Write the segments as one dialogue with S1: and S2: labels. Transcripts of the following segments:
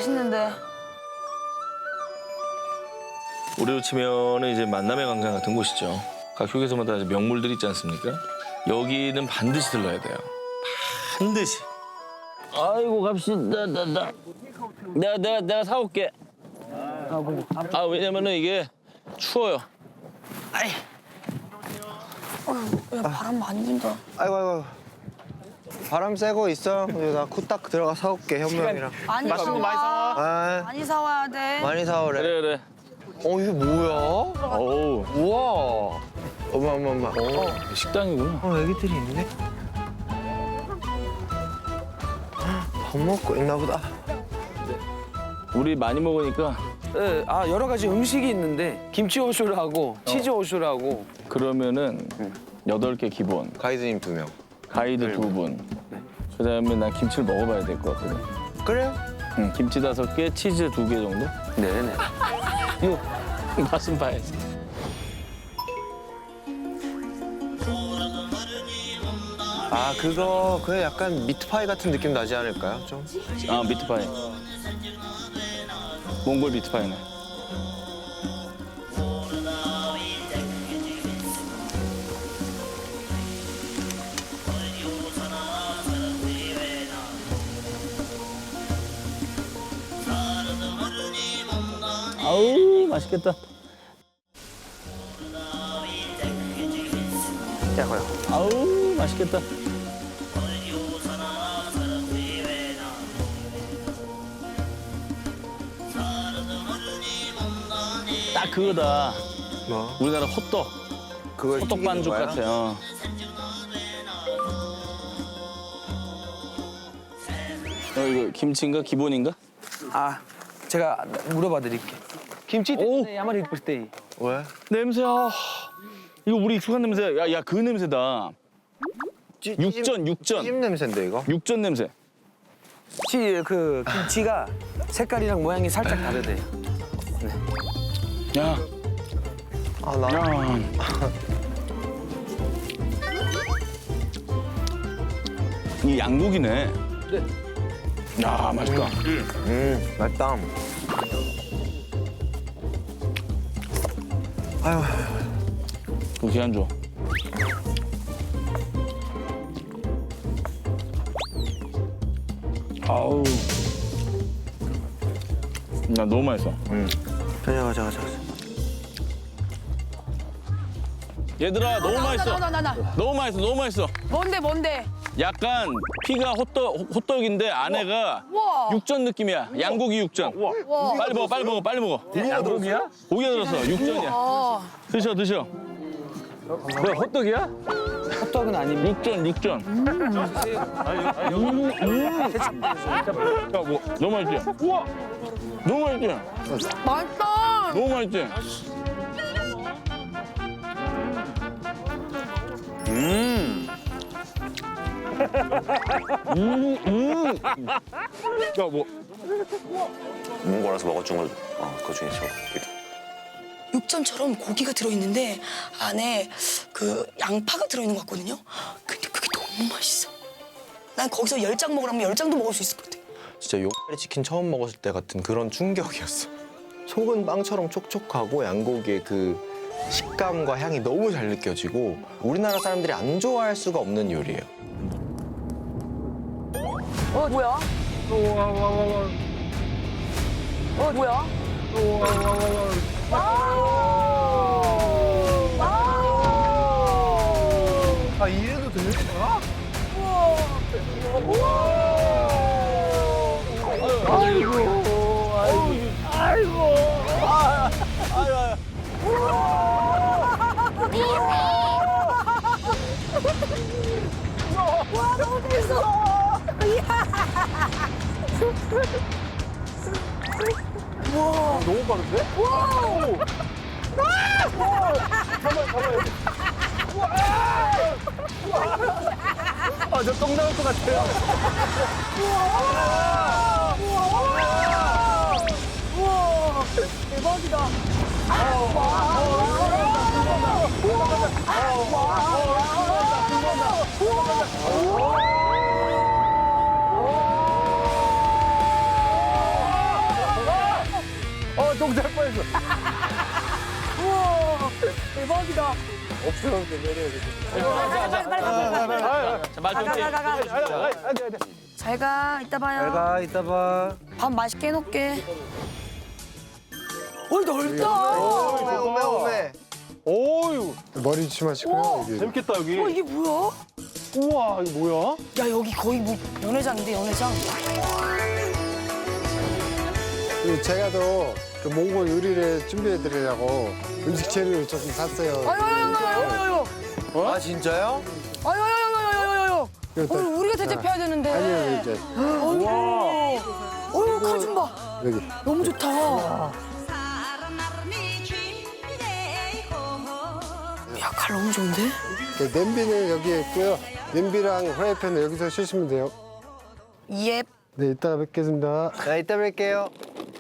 S1: 맛있는데.
S2: 우리로 치면은 이제 만남의 광장 같은 곳이죠. 각 휴게소마다 이제 명물들이 있지 않습니까? 여기는 반드시 들러야 돼요. 반드시. 아이고 갑시다. 내가 사올게. 아 왜냐면은 이게 추워요. 아이.
S1: 야, 바람 많이 분다.
S3: 아이고. 바람 쐬고 있어. 나 쿠딱 들어가 사올게, 현명이랑.
S1: 많이
S3: 맛있는 거 많이 사와. 아,
S1: 많이 사와야 돼.
S3: 많이 사오래.
S2: 그래.
S3: 이게 뭐야?
S2: 어우
S3: 우와. 어마.
S2: 식당이구나.
S3: 애기들이 있네. 밥 먹고 있나 보다.
S2: 우리 많이 먹으니까
S4: 네, 여러 가지 음식이 있는데 김치 오쇼라고 치즈 오쇼라고.
S2: 그러면은 8개 기본.
S3: 가이드님 2명.
S2: 가이드 2분. 그다음에 난 김치를 먹어봐야 될 것 같거든.
S3: 그래요?
S2: 응, 김치 5개, 치즈 2개 정도?
S4: 네네.
S2: 이거 맛은 봐야지.
S3: 그게 약간 미트파이 같은 느낌 나지 않을까요? 좀?
S2: 아 미트파이. 몽골 미트파이네. 아우 맛있겠다.
S3: 야고요.
S2: 아우 맛있겠다. 딱 그거다.
S3: 뭐?
S2: 우리나라 호떡.
S3: 그걸
S2: 호떡 반죽
S3: 튀기는 거야?
S2: 같아. 이거 김치인가 기본인가?
S4: 제가 물어봐 드릴게. 김치 때문에 야마리 때.
S3: 왜?
S2: 냄새야. 이거 우리 익숙한 냄새야. 야 그 냄새다. 육전.
S3: 찜 냄새인데 이거?
S2: 육전 냄새.
S4: 그 김치가 색깔이랑 모양이 살짝 다르대요.
S2: 야.
S3: 나.
S2: 야. 이 양고기네.
S4: 네.
S2: 야 맛있다.
S3: 맛있다. 아유.
S2: 도시 안 줘. 아우. 나 너무 맛있어.
S3: 가자.
S2: 얘들아 너무 맛있어.
S1: 나.
S2: 너무 맛있어.
S1: 뭔데?
S2: 약간 피가 호떡인데 안에가
S1: 우와.
S2: 육전 느낌이야. 양고기 육전.
S1: 우와.
S2: 빨리 먹어.
S4: 양고기야?
S2: 고기가 들었어. 육전이야.
S1: 어.
S2: 드셔.
S4: 뭐야 호떡이야? 호떡은 아닙니다.
S2: 육전. 야, 뭐 너무 맛있지? 우와. 너무 맛있지?
S1: 맛있다.
S2: 너무 맛있지? 야, 뭐
S5: 몽골에서 먹어준 걸 그 중에 저
S6: 육전처럼 고기가 들어있는데 안에 그 양파가 들어있는 것 같거든요. 근데 그게 너무 맛있어. 난 거기서 10장 먹으라면 10장도 먹을 수 있을 것 같아.
S3: 진짜 요까리 치킨 처음 먹었을 때 같은 그런 충격이었어. 속은 빵처럼 촉촉하고 양고기의 그 식감과 향이 너무 잘 느껴지고 우리나라 사람들이 안 좋아할 수가 없는 요리예요.
S1: 뭐야? 뭐야?
S3: 이래도 되는 거야?
S1: 와, 너무 재밌어.
S2: 너무 빠른데?
S4: 저똥 나올 것 같아요.
S1: 대박이다.
S7: 경찰 뻔했어.
S1: 우와, 대박이다. 잘 가, 이따 봐요.
S4: 가 이따 봐.
S6: 밥 맛있게 해놓게. 오, 넓다.
S3: 오메.
S7: 오유,
S8: 머리 조심하시고요. 여기.
S7: 재밌겠다 여기.
S6: 이게 뭐야?
S7: 우와, 이거 뭐야?
S6: 야, 여기 거의 뭐 연회장인데, 연회장.
S8: 그리고 제가 더 그 몽골 요리를 준비해 드리려고 음식 재료를 조금 샀어요.
S1: 아유.
S3: 아 진짜요?
S1: 아유.
S8: 이거
S1: 오늘 우리가 대접해야 되는데.
S8: 아니요, 이제
S6: 어휴, 칼 좀 봐.
S8: 여기.
S6: 너무 좋다. 야, 칼 너무 좋은데?
S8: 그 냄비는 여기에 있고요. 냄비랑 프라이팬은 여기서 쓰시면 돼요.
S6: 예.
S8: 네, 이따가 뵙겠습니다.
S3: 자 이따 뵐게요.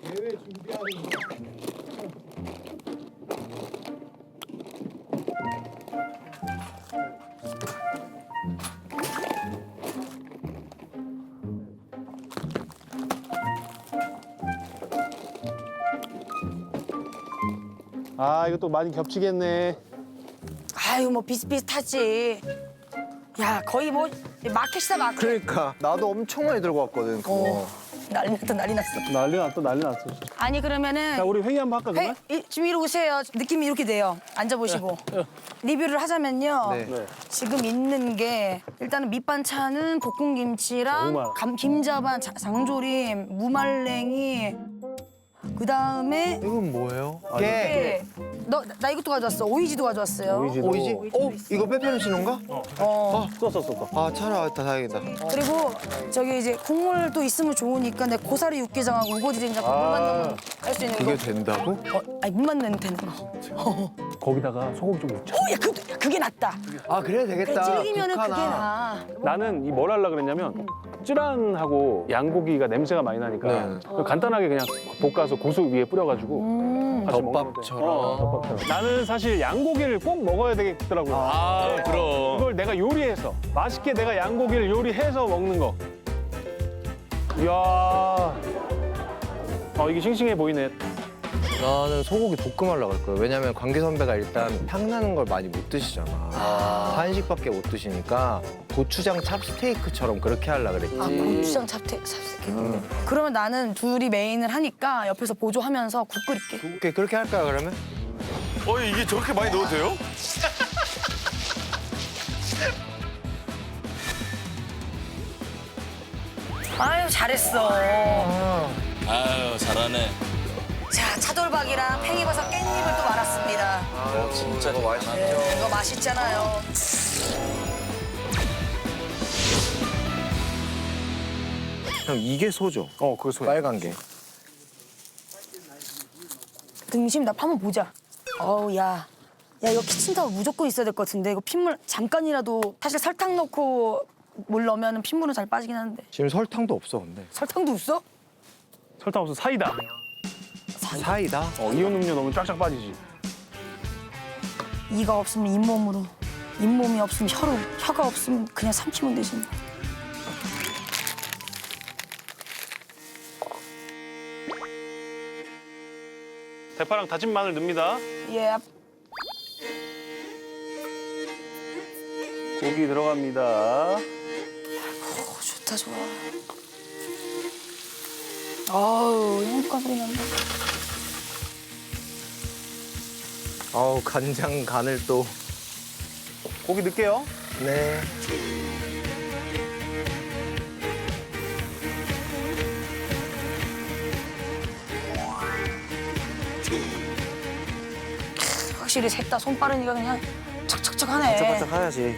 S7: 아, 이거 또 많이 겹치겠네.
S6: 아유, 뭐 비슷비슷하지. 야, 거의 뭐 마켓이다, 마켓.
S3: 그러니까 나도 엄청 많이 들고 왔거든. 그거.
S6: 난리 났다, 난리 났어.
S7: 난리 났다, 난리 났어.
S6: 아니, 그러면은.
S7: 자, 우리 회의 한번 할까, 정말?
S6: 지금 이리 오세요. 느낌이 이렇게 돼요. 앉아보시고. 리뷰를 하자면요.
S3: 네.
S6: 지금 있는 게 일단은 밑반찬은
S7: 너무
S6: 볶음김치랑
S7: 많아.
S6: 김자반, 장조림, 무말랭이. 그 다음에
S3: 이건 뭐예요?
S6: 네. 나 이것도 가져왔어. 오이지도 가져왔어요.
S7: 오이지도.
S3: 오이지? 이거 페페론치노인가?
S7: 썼어.
S3: 아 찾아왔다 다행이다.
S6: 그리고 저기 이제 국물도 있으면 좋으니까 내 고사리 육개장하고 우거지 된장국 물만 넣으면 할 수 있는
S3: 그게
S6: 거.
S3: 된다고?
S6: 아니 물만 넣으면 되는 거.
S7: 거기다가 소금 좀 넣자.
S6: 야, 그게 낫다.
S3: 아 그래야
S6: 그래,
S3: 되겠다.
S6: 질기면은 그게
S3: 국하나.
S6: 나.
S7: 나는 이 뭘 하려고 그랬냐면 쯔란하고 양고기가 냄새가 많이 나니까
S3: 네.
S7: 간단하게 그냥 볶아서 고수 위에 뿌려가지고 같이 먹는 건데.
S3: 덮밥처럼.
S7: 덮밥처럼. 나는 사실 양고기를 꼭 먹어야 되겠더라고요.
S2: 아,
S7: 네.
S2: 그럼.
S7: 이걸 내가 요리해서 맛있게 내가 양고기를 요리해서 먹는 거. 이야, 이게 싱싱해 보이네.
S3: 나는 소고기 볶음하려고 할 거예요. 왜냐면 관계 선배가 일단 향나는 걸 많이 못 드시잖아. 한식밖에 못 드시니까 고추장 찹스테이크처럼 그렇게 하려고 그랬지.
S6: 아, 고추장 찹스테이크. 그러면 나는 둘이 메인을 하니까 옆에서 보조하면서 국 끓일게.
S3: 오케이 그렇게 할까요 그러면?
S5: 이게 저렇게 많이 넣어도 돼요?
S6: 아유, 잘했어.
S2: 아유, 잘하네.
S6: 자, 차돌박이랑 팽이버섯 깻잎을 또 말았습니다.
S3: 진짜 이거 맛있어.
S6: 이거 맛있잖아요.
S3: 형 이게 소죠?
S7: 그거 소야.
S3: 빨간 게.
S6: 등심 나 한번 보자. 어우, 야. 야, 이거 키친타워 무조건 있어야 될 것 같은데. 이거 핏물 잠깐이라도 사실 설탕 넣고 물 넣으면 핏물은 잘 빠지긴 하는데.
S3: 지금 설탕도 없어 근데.
S6: 설탕도 있어?
S7: 설탕 없어 사이다.
S3: 사이다?
S7: 이온 음료 넣으면 쫙쫙 빠지지.
S6: 이가 없으면 잇몸으로. 잇몸이 없으면 혀로. 혀가 없으면 그냥 삼키면 되지.
S7: 대파랑 다진 마늘 넣습니다.
S6: 예.
S7: 고기 들어갑니다.
S6: 좋다, 좋아. 아우, 행복한 소리 난다.
S3: 아우 간장 간을 또.
S7: 고기 넣을게요.
S3: 네.
S6: 확실히 셋 다 손 빠르니까 그냥 척척척 하네.
S3: 바짝바짝 하야지.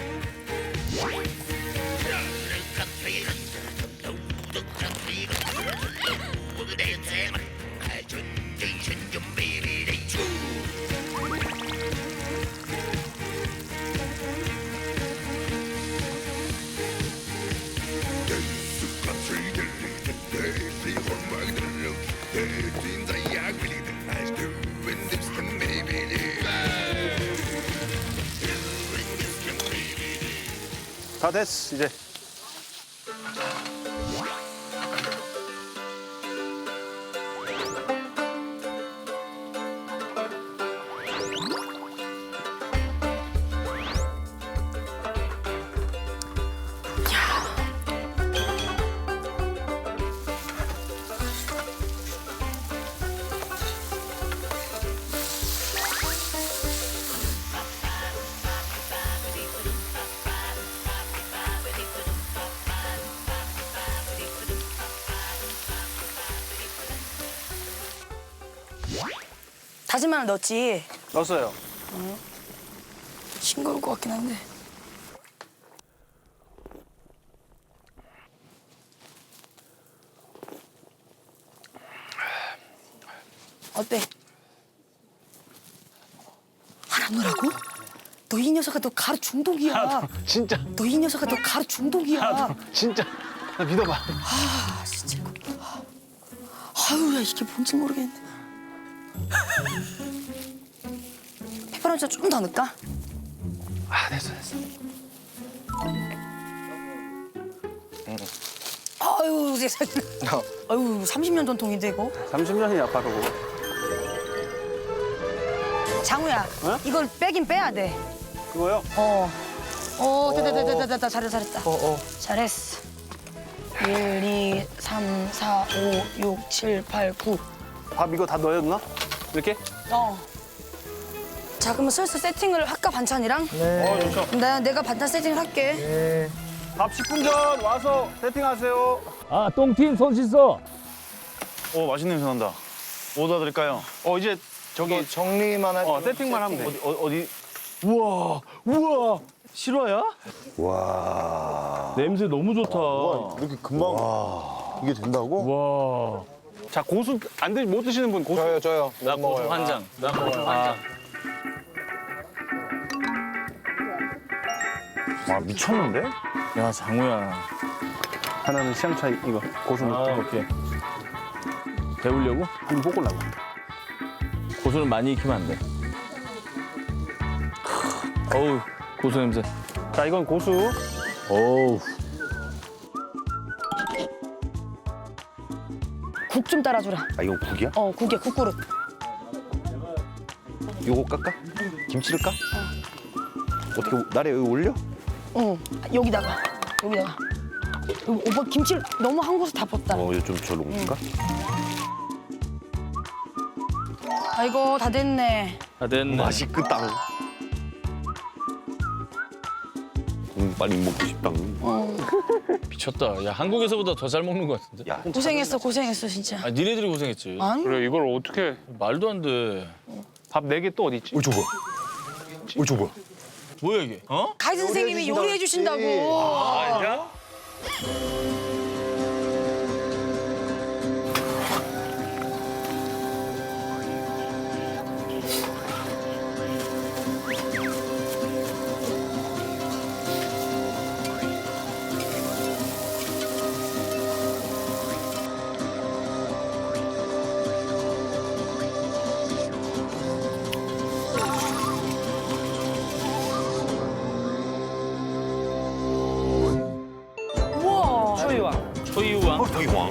S7: 다 됐어 이제.
S6: 다진 마늘 넣었지.
S7: 넣었어요.
S6: 싱거울 것 같긴 한데. 어때? 하나 넣으라고? 너 이 녀석아 너 가루 중독이야.
S7: 진짜
S6: 너 이 녀석아 너 가루 중독이야.
S7: 진짜 나 믿어봐.
S6: 아 진짜 이거. 아유 야 이게 뭔지 모르겠네. 페퍼론치 좀 더 넣을까?
S7: 아 됐어.
S6: 아유 세상에. 아유 30년 전통인데 이거.
S7: 30년이야 바로.
S6: 장우야
S7: 어?
S6: 이걸 빼긴 빼야 돼.
S7: 그거요?
S6: 됐다 잘했다. 잘했어. 1, 2, 3, 4, 5, 6, 7, 8, 9.
S7: 밥 이거 다 넣어야 되나? 이렇게?
S6: 자 그러면 슬슬 세팅을 할까 반찬이랑?
S7: 좋죠.
S6: 내가 반찬 세팅을 할게.
S7: 밥 10분 전 와서 세팅하세요.
S9: 아, 똥팀 손 씻어.
S5: 오 맛있는 냄새 난다. 뭐 도와드릴까요?
S7: 이제 저기
S3: 정리만 할
S7: 세팅만 하면 돼.
S5: 어디?
S2: 우와 실화야?
S5: 와.
S2: 냄새 너무 좋다.
S5: 이렇게 금방 이게 된다고?
S2: 와.
S7: 자 고수 못 드시는 분 고수.
S3: 저요.
S2: 나 고수 한 장. 나 고수 한 장.
S5: 와 미쳤는데?
S2: 야 장우야.
S7: 하나는 시향차 이거 고수
S2: 아
S7: 넣고
S2: 오케이. 배우려고?
S7: 좀 볶으려고.
S2: 고수는 많이 익히면 안 돼. 어우 고수 냄새.
S7: 자 이건 고수.
S2: 어우.
S6: 국 좀 따라주라.
S5: 아 이거 국이야?
S6: 국이야 국그릇.
S5: 요거 깎아? 김치를 까? 어떻게 나래 여기 올려?
S6: 응 여기다가. 오빠 김치를 너무 한 곳에 다 뻗다.
S5: 이거 좀 저로 옮길까?
S6: 아이고 다 됐네.
S2: 다 됐네.
S5: 맛있겠다. 빨리 먹고 싶다.
S2: 미쳤다. 야 한국에서보다 더 잘 먹는 것 같은데.
S5: 야,
S6: 고생했어 진짜.
S2: 아 니네들이 고생했지.
S6: 아니?
S7: 그래 이걸 어떻게
S2: 말도 안 돼.
S7: 밥 4개 또 어디 있지?
S5: 저 뭐야? 저 뭐야?
S2: 뭐야 이게? 어?
S6: 가이드 선생님이 요리해 주신다고.
S2: 아니야?
S6: 우와.
S2: 초이우왕.
S5: 저기 왕.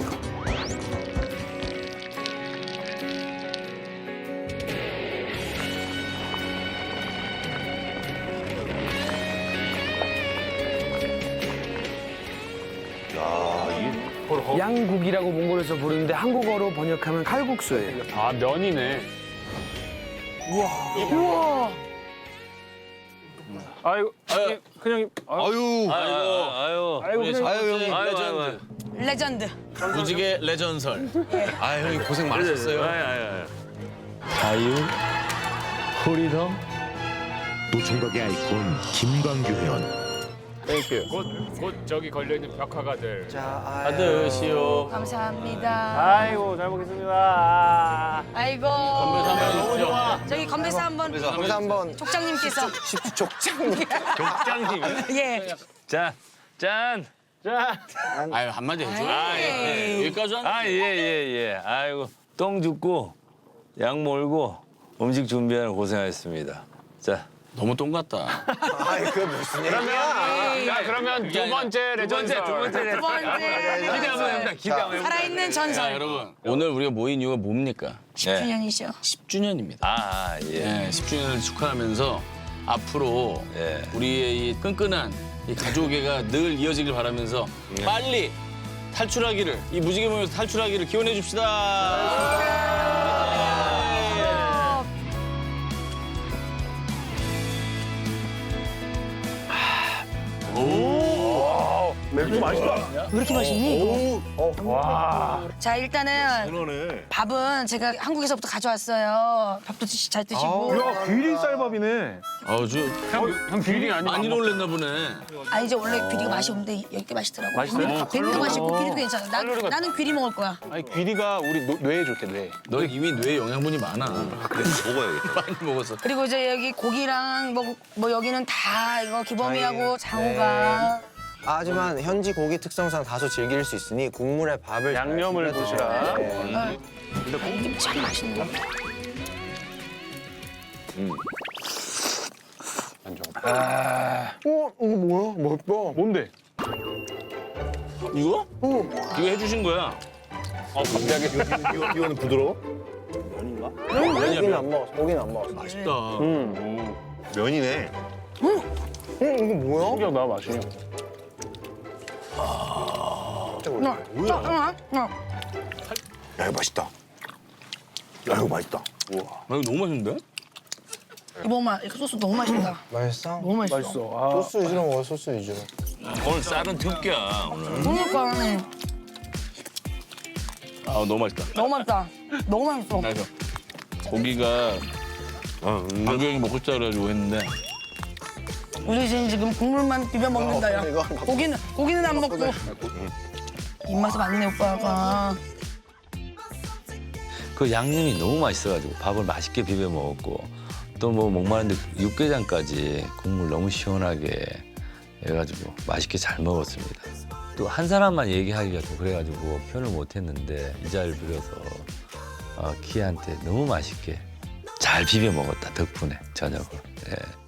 S4: 양국이라고 몽골에서 부르는데 한국어로 번역하면 칼국수예요.
S7: 아 면이네.
S6: 우와.
S7: 아이고 그냥
S2: 아유.
S7: 아이고 그냥
S2: 레전드.
S6: 레전드.
S2: 무지개 레전설. 아 형님 고생 많으셨어요. 자유, 프리덤.
S10: 노총각의 아이콘 김광규 회원.
S2: 땡큐.
S7: 곧 저기 걸려 있는 벽화가들.
S2: 받으시오.
S6: 감사합니다.
S7: 아이고 잘 먹겠습니다.
S6: 아이고.
S2: 건배사 한번 해주시죠.
S6: 저기 건배사 한번.
S3: 감사 한번.
S6: 족장님께서.
S2: 족장님.
S6: 예.
S2: 짠. 짠. 아유 한마디 해줘. 여기까지 왔네.
S11: 예. 아이고 똥 죽고 양 몰고 음식 준비하는 고생하셨습니다. 자.
S2: 너무 똥 같다.
S3: 아이 그 무슨 얘기야?
S7: 자 그러면 두 번째 레전드.
S6: 두 번째.
S11: 기대하면 됩니다. 기대하면.
S6: 살아있는
S2: 자
S6: 전설.
S2: 여러분 오늘 우리가 모인 이유가 뭡니까?
S6: 10주년이죠.
S2: 10주년입니다.
S11: 아 예.
S2: 네, 10주년을 축하하면서 앞으로
S11: 예.
S2: 우리의 이 끈끈한 이 가족애가 늘 이어지길 바라면서 빨리 탈출하기를 이 무지개 모임에서 탈출하기를 기원해 줍시다.
S7: 맵고 맛있다.
S6: 왜 이렇게 맛있니?
S7: 와.
S6: 자 일단은 밥은 제가 한국에서부터 가져왔어요. 밥도 잘 드시고.
S7: 야, 귀리 쌀밥이네.
S2: 아주
S7: 형 귀리 아니야?
S2: 많이 놀랬나 보네.
S6: 아 이제 원래 귀리가 맛이 없는데 여기 맛있더라고.
S7: 맛있어요?
S6: 뱀도 맛있고 귀리도 괜찮아. 나는 귀리 먹을 거야.
S7: 아니 귀리가 우리 뇌에 좋대 뇌.
S2: 너 이미 뇌에 영양분이 많아.
S5: 그래서 먹어야겠다.
S2: 많이 먹었어.
S6: 그리고 이제 여기 고기랑 뭐 여기는 다 이거 기범이하고 장호가.
S3: 하지만 현지 고기 특성상 다소 즐길 수 있으니 국물에 밥을 잘
S7: 양념을
S3: 뿌려
S7: 드시라.
S3: 네.
S6: 김치 참 맛있는 거.
S3: 이거 뭐야? 맛있다.
S7: 뭔데?
S2: 이거? 이거 해주신 거야.
S7: 갑자기.
S5: 이거는 부드러워?
S3: 고기는 안 먹었어. 고기는 안 먹었어.
S2: 맛있다.
S5: 면이네.
S3: 이거 뭐야?
S7: 신기하다 맛이.
S5: 야, 이거 맛있다. 야, 이거 맛있다.
S2: 아, 이거 너무 맛있는데?
S6: 이범아 이거 소스 너무 맛있다.
S3: 맛있어?
S6: 너무 맛있어.
S7: 맛있어. 아.
S3: 소스 위주로 먹어, 소스 위주로.
S2: 오늘 쌀은 특기야 오늘.
S6: 그러니까
S2: 아 너무 맛있다.
S6: 너무 맛있다. 너무 맛있어.
S2: 그래서 고기가 강경이 먹고 싶다 그래가지고 했는데
S6: 우리 지금 국물만 비벼 먹는다 야.
S3: 이거
S6: 고기는 안 먹고. 입맛이 많네 오빠가.
S11: 그 양념이 너무 맛있어가지고 밥을 맛있게 비벼 먹었고 또 뭐 목마른데 육개장까지 국물 너무 시원하게 해가지고 맛있게 잘 먹었습니다. 또 한 사람만 얘기하기가 좀 그래가지고 표현을 못했는데 이 자리를 빌어서 키한테 너무 맛있게 잘 비벼 먹었다 덕분에 저녁을. 예.